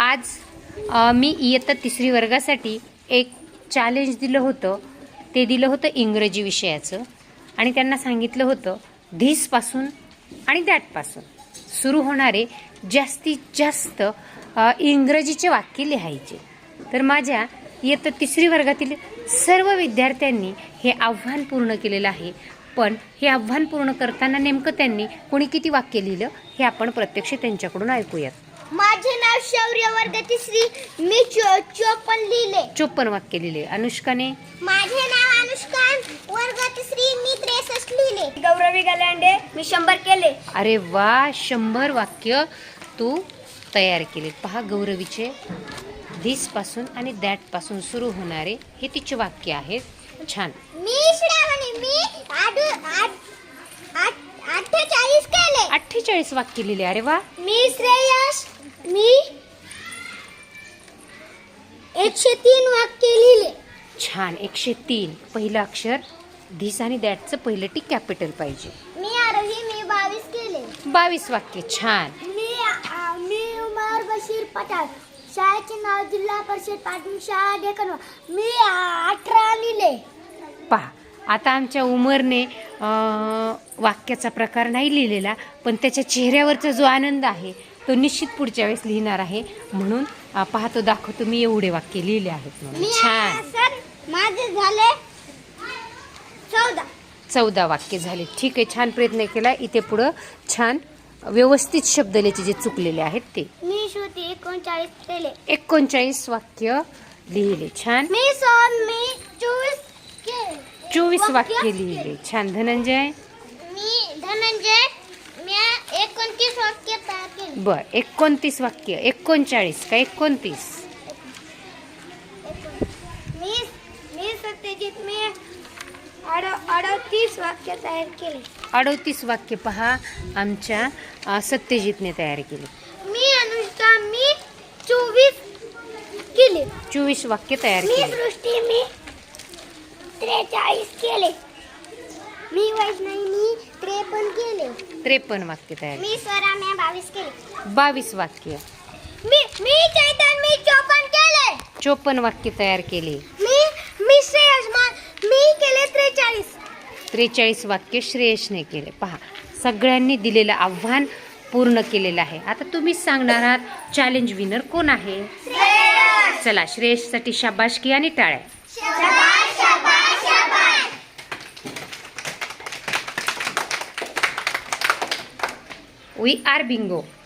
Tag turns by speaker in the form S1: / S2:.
S1: आज मी इयत्ता 3री वर्गासाठी एक चॅलेंज दिलं होतं. ते दिलं होतं इंग्रजी विषयाचं आणि त्यांना सांगितलं होतं धिसपासून आणि दॅटपासून सुरू होणारे जास्तीत जास्त इंग्रजीचे वाक्य लिहायचे. तर माझ्या इयत्ता 3री वर्गातील सर्व विद्यार्थ्यांनी हे आव्हान पूर्ण केलेलं आहे. पण हे आव्हान पूर्ण करताना नेमकं त्यांनी कोणी किती वाक्य लिहिलं हे आपण प्रत्यक्ष त्यांच्याकडून ऐकूयात.
S2: माझे नाव शौर्य, वर्ग 3री. मी 54 लिहिले.
S1: 54 वाक्य लिहिले. अनुष्काने?
S2: माझे नाव अनुष्का, वर्ग 3री. मी 63 लिहिले. गौरवी गलांडे, मी 100 केले.
S1: अरे वा, 100 वाक्य तू तयार केले. पहा, गौरवीचे धिस पासून आणि दॅट पासून सुरू होणारे हे तिचे वाक्य आहेत. छान.
S2: मी श्रावणी, मी 48 केले.
S1: 48 वाक्य लिहिले. अरे वा.
S2: मी श्रेयस, मी 103 वाक्य लिहिले.
S1: छान. 103. पहिलं अक्षर धिस आणि दॅटचं पहिलं टी कॅपिटल पाहिजे.
S2: मी आरोही, मी 22 केले.
S1: 22 वाक्य. छान.
S2: मी उमर बशीर पठाण, शाळेचे नाव जिल्हा परिषद प्राथमिक शाळा डेकन. मी 18 लिहिले.
S1: पहा, आता आमच्या उमरने वाक्याचा प्रकार नाही लिहिलेला, पण त्याच्या चेहऱ्यावरचा जो आनंद आहे तो निश्चित पुढच्या वेळेस लिहिणार आहे. म्हणून पाहतो, दाखवतो मी एवढे वाक्य लिहिले आहेत म्हणून. छान.
S2: सर, माझे झाले
S1: 14 वाक्य झाले. ठीक आहे, छान प्रयत्न केला. इथे पुढं छान व्यवस्थित शब्द लिहायचे जे चुकलेले आहेत ते.
S2: मी श्रुती 39 केले.
S1: 39 वाक्य लिहिले. छान.
S2: मी 24 केले.
S1: 24 वाक्य लिहिले. छान. धनंजय?
S2: मी धनंजय, मी 29 वाक्य तयार केले.
S1: बर, 29 वाक्य. 39 का 29?
S2: मी सत्यजित, मी 38 वाक्य तयार केले.
S1: 38 वाक्य पहा आमच्या सत्यजितने तयार केले.
S2: मी अनुष्का, मी 24 केले.
S1: 24 वाक्य तयार
S2: मी
S1: केले.
S2: सृष्टी, मी 43 केले. मी वैष्णवी, मी 53 केले.
S1: 53 वाक्य तयार केले.
S2: मी स्वरा, मी 22 केले.
S1: 22 वाक्य.
S2: मी चैतन, मी 54 केले.
S1: 54 वाक्य तयार केले.
S2: मी श्रेयस, मी केले 43.
S1: 43 वाक्य श्रेयसने केले. पहा, सगळ्यांनी दिलेलं आव्हान पूर्ण केलेलं आहे. आता तुम्हीच सांगणार आहात चॅलेंज विनर कोण आहे. चला, श्रेयससाठी शाबासकी आणि टाळ्या. We are bingo.